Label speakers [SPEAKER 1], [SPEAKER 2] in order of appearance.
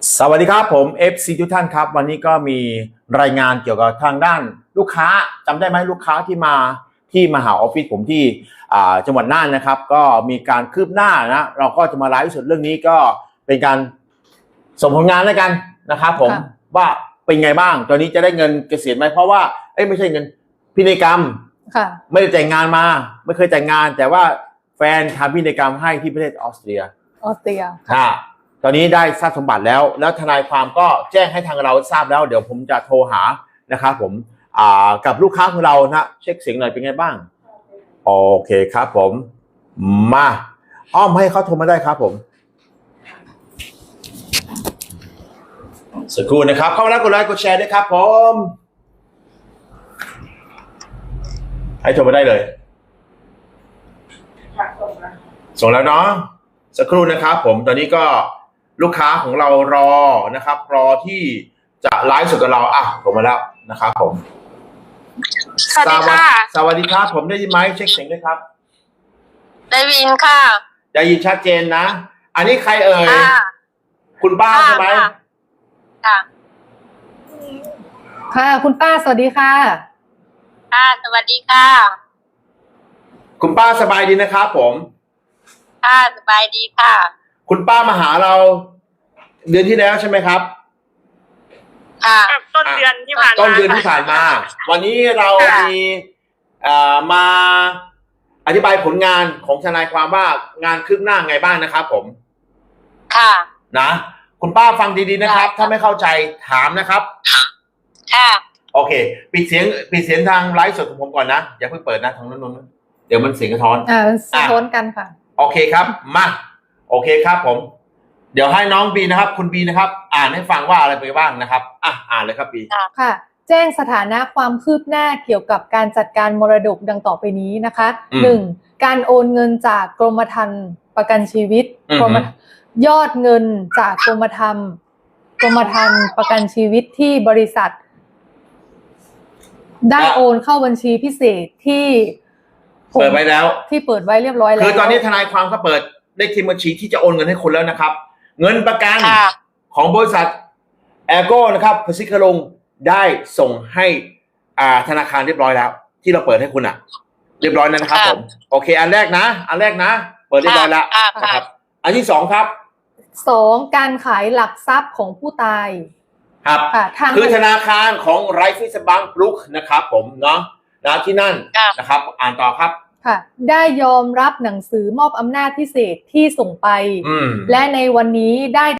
[SPEAKER 1] สวัสดีครับผม FC ทุกท่านครับวันนี้ก็มีรายงานเกี่ยวกับทางด้านลูกค้าจำได้ไหมลูกค้าที่มาหาออฟฟิศผมที่จังหวัดน่านนะครับก็มีการคืบหน้านะเราก็จะมาไลฟ์สดเรื่องนี้ก็เป็นการส่งผลงานแล้วกันนะครับผมว่าเป็นไงบ้างตอนนี้จะได้เงินเกษียณไหมเพราะว่าไม่ใช่เงินพินัยกรรมไม่ได้แต่งงานมาไม่เคยแต่งงานแต่ว่าแฟนทำพินัยกรรมให้ที่ประเทศออสเตรียตอนนี้ได้ทราบสมบัติแล้วทนายความก็แจ้งให้ทางเราทราบแล้วเดี๋ยวผมจะโทรหานะครับผมกับลูกค้าของเรานะเช็คเสียงหน่อยเป็นไงบ้างโอเคครับผมมาอ้อมให้เขาโทรมาได้ครับผมสักครู่นะครับเข้ามาแล้วกดไลค์กดแชร์ด้วยครับผมให้โทรมาได้เลยส่งแล้วเนาะสักครู่นะครับผมตอนนี้ก็ลูกค้าของเรารอนะครับรอที่จะไลฟ์สดกับเราผมมาแล้วนะครับผม
[SPEAKER 2] สวัสดีค่ะ
[SPEAKER 1] สวัสดีครับผมได้ยินไหมเช็คเสียงด้วยครับ
[SPEAKER 2] ได้ยินค่ะ
[SPEAKER 1] ได้ยินชัดเจนนะอันนี้ใครเอ่ยคุณป้าใช่ไหม
[SPEAKER 3] ค่ะคุณป้าสวัสดีค่ะ
[SPEAKER 2] สวัสดีค่ะ
[SPEAKER 1] คุณป้าสบายดีนะครับผม
[SPEAKER 2] สบายดีค่ะ
[SPEAKER 1] คุณป้ามาหาเราเดือนที่แล้วใช่ไหมครับ
[SPEAKER 2] ต้นเดือนที่ผ่านมา
[SPEAKER 1] วันนี้เรามีมาอธิบายผลงานของทนายความว่างานคืบหน้าไงบ้างนะครับผมนะคุณป้าฟังดีๆนะครับถ้าไม่เข้าใจถามนะครับโอเคปิดเสียงทางไลฟ์สดของผมก่อนนะอย่าเพิ่งเปิดนะทางนู้นเดี๋ยวมันเสียงกระท้อน
[SPEAKER 3] สะท้อนกันค่ะ
[SPEAKER 1] โอเคครับมาโอเคครับผมเดี๋ยวให้น้องบีนะครับคุณบีนะครับอ่านให้ฟังว่าอะไรไปบ้างนะครับอ่านเลยครับบี
[SPEAKER 3] ค่ะแจ้งสถานะความคืบหน้าเกี่ยวกับการจัดการมรดกดังต่อไปนี้นะคะ1การโอนเงินจากกรมธรรม์ประกันชีวิตยอดเงินจากกรมธรรม์ประกันชีวิตที่บริษัทได้โอนเข้าบัญชีพิเศษที่
[SPEAKER 1] เปิดไว้แล้ว
[SPEAKER 3] ที่เปิดไว้เรียบร้อยแล้ว
[SPEAKER 1] คือตอนนี้ทนายความเขาเปิดเลขที่บัญชีที่จะโอนเงินให้คุณแล้วนะครับเงินประกันของบริษัทแอร์โก้นะครับพสิคลงได้ส่งให้ธนาคารเรียบร้อยแล้วที่เราเปิดให้คุณเรียบร้อยแล้วนะครับผมโอเคอันแรกนะเปิดเรียบร้อยแล้วนะครับอันที่2ครับ
[SPEAKER 3] 2การขายหลักทรัพย์ของผู้ตาย
[SPEAKER 1] ครับคือธนาคารของไรฟิสบังบลุกนะครับผมเนาะที่นั่นนะครับอ่านต่อครับ
[SPEAKER 3] ค่ะได้ยอมรับหนังสือมอบอำนาจพิเศษที่ส่งไปและในวันนี้ได้